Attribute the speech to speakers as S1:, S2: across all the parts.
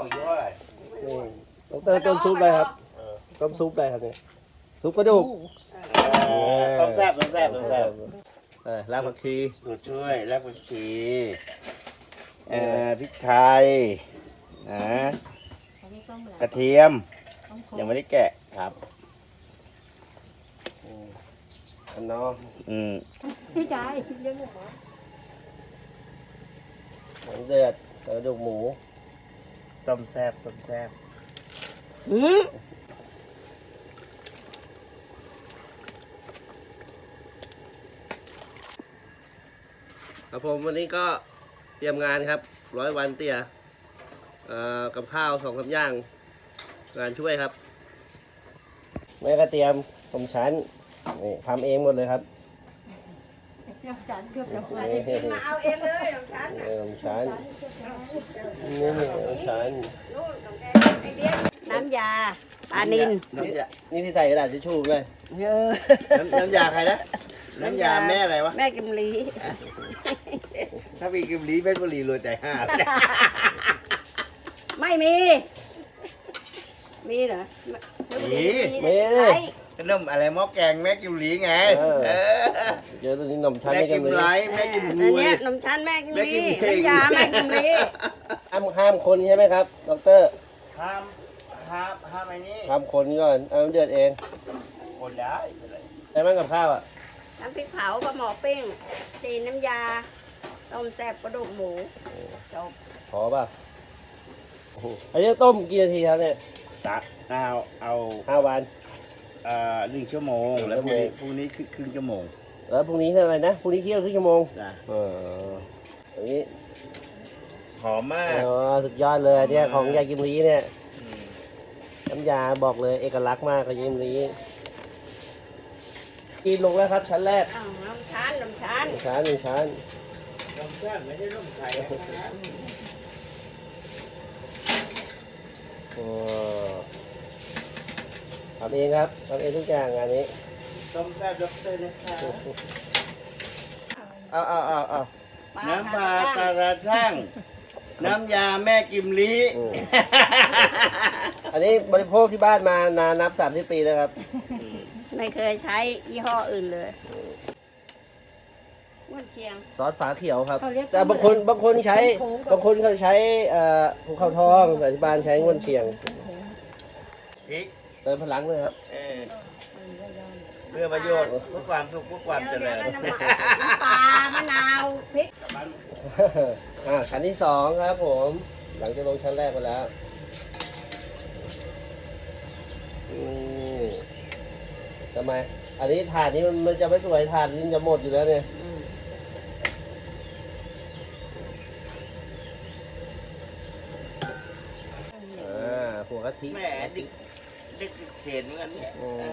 S1: ของยี่ห้ออะไร
S2: นี่ต้มซุปอะไรครับต้มซุปอะไรครับเนี่ยซุปกระดูก
S1: ต้มแซ่บ
S2: รากผักชี
S1: ตัวช่วยรากผักชีพริกไทยกระเทียมยังไม่ได้แกะครับ
S2: อันนอ
S3: พี่ชายเลี้ยงหมู
S2: หมูเดือดกระดูกหมู
S1: ต้มแซ่บ
S2: ครับผมวันนี้ก็เตรียมงานครับ100 วันเตี้ยกับข้าว2-3 อย่างงานช่วยครับแม่ก็เตรียมผมชั้นนี่ทำเองหมดเลยครับ
S3: เกือบจันเกือบจะ
S4: มาเอาเองเลยของฉัน
S2: ผมชั้นนี่ผมชั้น
S4: นู่นของแกไอเดียน้ำยาปลานิล
S2: นี่ที่ใส่กระดาษทิชชู่เลย
S1: น้ำยาใครนะน้ำยาแม่อะไรวะ
S4: แม่กิมลี
S1: ถ้ามีกิมลีเพชรบุรีรวยแต่ห้า
S4: ไม่มี มีเหรอ
S1: มี ขนมอะไรหม้อแกงแม่กิมลีไง
S2: เจอตัวนี้นมชั้น
S1: แม่
S2: นี่กั
S1: กิ
S2: น
S1: ม
S2: เลย
S1: ไลแม่กิม
S4: อัน
S1: รวย
S4: เนี้ยนมชั้นแม่กิม
S1: แม่กิ
S4: ลี
S1: มลี
S4: น้ำยาแม่กิมลี
S2: ห้ามคนใช่ไหมครับดร
S1: ห้ามไอ้นี่
S2: ห้ามคนก่อนเอาเดือดเอง
S1: คนได้
S2: ใช่ไหมกับข้าวอ่ะ
S4: น้ำพริกเผาปลาหมอปิ้งจีนน้ำยา ต้มแซ่บกระดูกหมูจบ
S2: พอป่ะอันนี้ต้มกี่นาทีครับเนี่ย
S1: เอา
S2: 5 วัน
S1: 1 ชั่วโมงแล้วพรุ่งนี้ครึ่งชั่วโมง
S2: แล้วพรุ่งนี้เท่าไหร่นะพรุ่งนี้เที่ยวครึ่งชั่วโมง
S1: จ้ะ
S2: อันนี้
S1: หอมมาก
S2: สุดยอดเลยเนี่ยของยายกิมลีเนี่ยน้ำยาบอกเลยเอกลักษณ์มากของยายกิมลีกินลงแล้วครับชั้นแรก
S4: อ้าวน้ำชั้นน้ำชั้น
S2: 1 ชั้น
S1: ต้มแซ่บไม่ใช่ต้มไข่
S2: ทำเองครับทำเองทุกอย่างงานนี้
S1: ต้มแซ่บด็อกเตอร์นะคะ
S2: เอา
S1: น้ำปลาตาราช่างน้ำยาแม่กิมลี
S2: อันนี้บริโภคที่บ้านมานานนับ30 ปีแล้วครับ
S4: ไม่เคยใช้ยี่ห้ออื่นเลยม้วนเชียง
S2: ซอสฝาเขียวครับ แต่บางคนใช้บางคนเขาใช้ภูเขาทองแต่ที่บ้านใช้ง่วนเชียง
S1: พริก
S2: เติมพลังเลยครับ
S1: เพื่อประโยชน์เพื่อความสุขเพื่อความเจริญ
S4: น้ำปลามะนาวพริก
S2: ชั้นที่ 2ครับผม หลังจากลงชั้นแรกไปแล้วทำไมอันนี้ถาดนี้มันจะไม่สวยถาดนี้มันจะหมดอยู่แล้วเนี่ยหัวกะทิ
S1: แหมเด็กเขียนเหมือนกันเนี่ย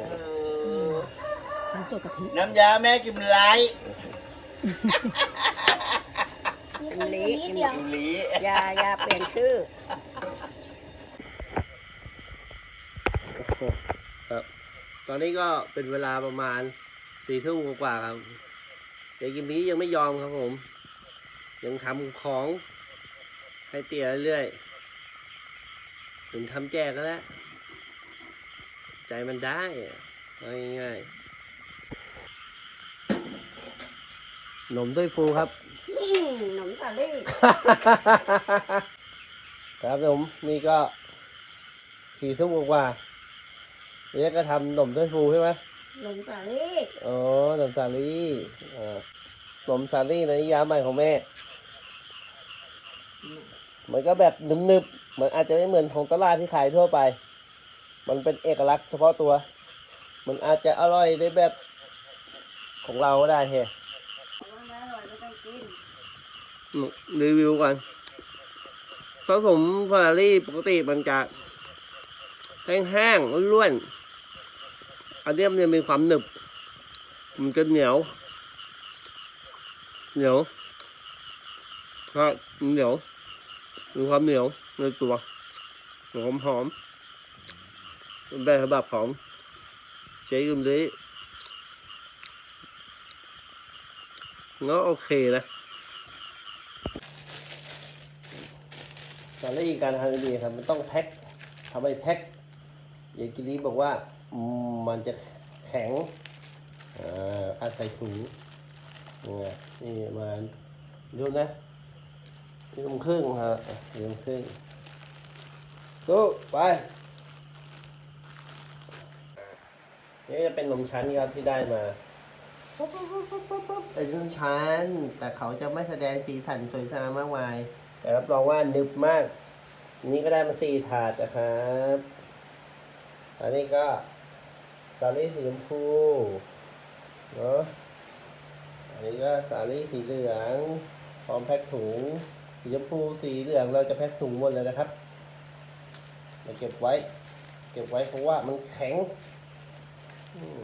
S3: ทั้งตัวกะทิ
S1: น้ำยาแม่กิมไล
S4: กิมลี
S1: กิมลี
S4: ยาเปลี่ยนชื่อ
S2: ครับตอนนี้ก็เป็นเวลาประมาณ4 ทุ่มกว่าครับเด็กกิมนี้ยังไม่ยอมครับผม ยังทำของให้เตี๋ยเรื่อยๆถึงทำแจกก็แล้วใจมันได้เอาง่ายๆหนมด้วยฟูครับ
S4: หนมสาลี่
S2: ครับผมนี่ก็4 ทุ่มกว่านี่ก็ทำหนมด้วยฟูใช่ไหม
S4: หนมสาลี่
S2: อ๋อหนมสาลี่หนมสาลี่ในนิยามใหม่ของแม่ มันก็แบบหนึบๆมันอาจจะไม่เหมือนของตลาดที่ขายทั่วไป มันเป็นเอกลักษณ์เฉพาะตัว มันอาจจะอร่อยในแบบของเราก็ได้เฮ้รีวิวก่อนผสมฟารารี่ปกติมันจะแห้งๆล้วนๆอันนี้มันจะมีความหนึบมันจะเหนียวครับเหนียวมีความเหนียวในตัวหอมเป็นแบบฉบับของเจ๊กุมลีก็โอเคนะตอนแรกการทำดีครับมันต้องแพ็คทำให้แพ็คอย่างกินนี้บอกว่ามันจะแข็งอาศัยถุงนี่มาดูนะนี่ลงครึ่งฮะนี่ลงครึ่งดูไปนี่จะเป็นนมชั้นครับที่ได้มาเป็นนมชั้นแต่เขาจะไม่แสดงสีสันสวยงามมากมายแต่รับรองว่านึบมากอันนี้ก็ได้มา4 ถาดนะครับอันนี้ก็สาลี่สีชมพูเนาะอันนี้ก็สาลี่สีเหลืองพร้อมแพ็คถุงสีชมพูสีเหลืองเราจะแพ็คถุงหมดเลยนะครับมาเก็บไว้เพราะว่ามันแข็ง